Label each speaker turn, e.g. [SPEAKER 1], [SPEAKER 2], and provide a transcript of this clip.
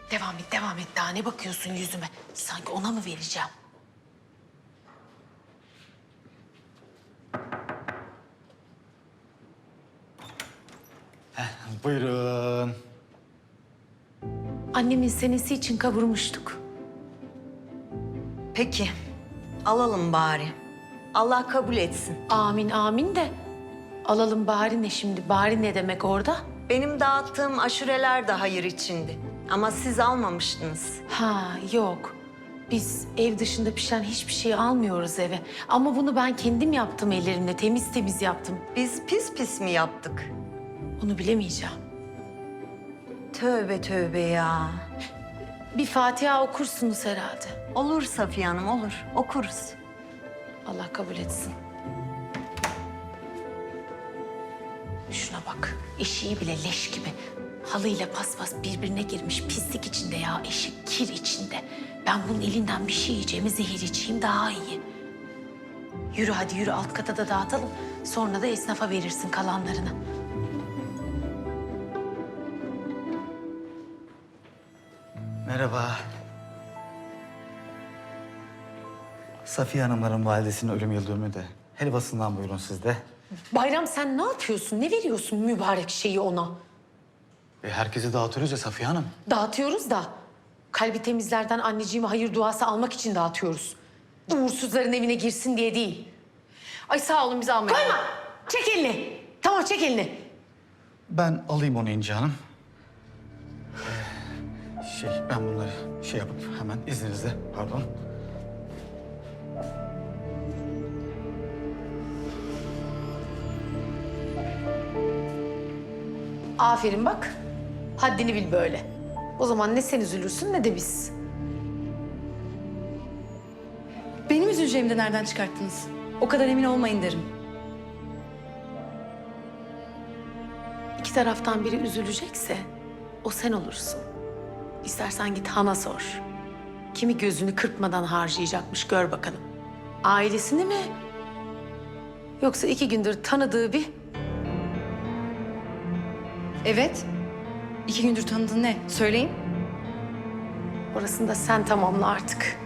[SPEAKER 1] Devam et, devam et. Daha ne bakıyorsun yüzüme? Sanki ona mı vereceğim?
[SPEAKER 2] Buyurun.
[SPEAKER 1] Annemin senesi için kavurmuştuk.
[SPEAKER 3] Peki, alalım bari. Allah kabul etsin.
[SPEAKER 1] Amin, amin de. Alalım bari ne şimdi? Bari ne demek orada?
[SPEAKER 3] Benim dağıttığım aşureler de hayır içindi. Ama siz almamıştınız.
[SPEAKER 1] Ha, yok. Biz ev dışında pişen hiçbir şey almıyoruz eve. Ama bunu ben kendim yaptım ellerimle. Temiz temiz yaptım.
[SPEAKER 3] Biz pis pis mi yaptık?
[SPEAKER 1] Onu bilemeyeceğim.
[SPEAKER 3] Tövbe tövbe ya.
[SPEAKER 1] Bir Fatiha okursunuz herhalde.
[SPEAKER 3] Olur Safiye Hanım, olur. Okuruz.
[SPEAKER 1] Allah kabul etsin. Şuna bak. Eşiği bile leş gibi. Halıyla paspas birbirine girmiş. Pislik içinde ya. Eşik kir içinde. Ben bunun elinden bir şey yiyeceğime zehir içeyim daha iyi. Yürü hadi yürü, alt kata da dağıtalım. Sonra da esnafa verirsin kalanlarını.
[SPEAKER 2] Merhaba. Safiye Hanımların validesinin ölüm yıl dönümü de. Helvasından buyurun siz de.
[SPEAKER 1] Bayram sen ne yapıyorsun? Ne veriyorsun mübarek şeyi ona?
[SPEAKER 2] Herkese dağıtıyoruz ya Safiye Hanım.
[SPEAKER 1] Dağıtıyoruz da kalbi temizlerden anneciğime hayır duası almak için dağıtıyoruz. Uğursuzların evine girsin diye değil.
[SPEAKER 4] Ay sağ olun bizi almayın.
[SPEAKER 1] Koyma! Çek elini. Tamam çek elini.
[SPEAKER 2] Ben alayım onu İnci Hanım. Ben bunları yapıp hemen izninizle, pardon.
[SPEAKER 1] Aferin bak. Haddini bil böyle. O zaman ne sen üzülürsün ne de biz.
[SPEAKER 4] Benim üzüleceğimi de nereden çıkarttınız? O kadar emin olmayın derim.
[SPEAKER 1] İki taraftan biri üzülecekse o sen olursun. İstersen git Han'a sor. Kimi gözünü kırpmadan harcayacakmış gör bakalım. Ailesini mi? Yoksa 2 gündür tanıdığı bir...
[SPEAKER 4] Evet. 2 gündür tanıdığın ne? Söyleyin.
[SPEAKER 1] Orasını da sen tamamla artık.